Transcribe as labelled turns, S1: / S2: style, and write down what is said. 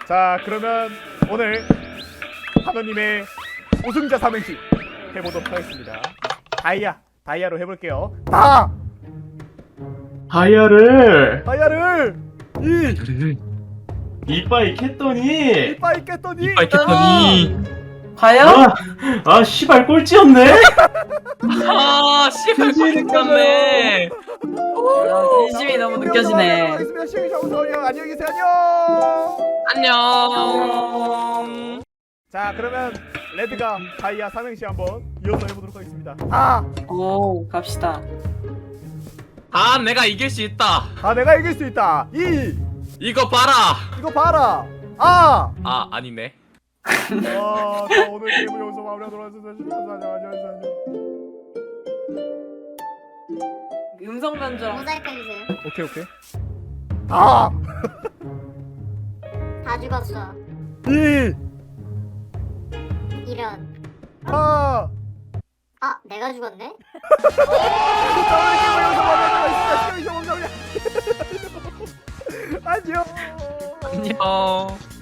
S1: 자, 그러면 오늘 한우님의 우승자 삼행시 해보도록 하겠습니다. 다이아로 해볼게요.
S2: 다이아를 이빨 캤더니
S1: 이빨 깼더니
S3: 이빨 깼더니
S4: 과연?
S2: 아 씨발 꼴찌였네.
S3: 아 씨발 꼴찌였네.
S4: 진심이 너무 느껴지네.
S1: 알겠습니다. 시청해주셔서 안녕히 계세요. 안녕.
S3: 안녕.
S1: 자, 그러면 레드가 다이아 삼행시 한번 이어서 해보도록 하겠습니다.
S4: 오, 갑시다.
S3: 아 내가 이길 수 있다.
S1: 내가 이길 수 있다.
S3: 이거 봐라.
S1: 이거 봐라.
S3: 아 아니네.
S1: 자, 오늘 게임을 여기서 마무리하도록 하겠습니다. 안녕.
S4: 음성 변조.
S5: 모자이크 해주세요.
S1: 오케이.
S5: 다 죽었어. 이런.
S1: 아,
S5: 내가 죽었네?
S1: 안녕.
S3: 안녕.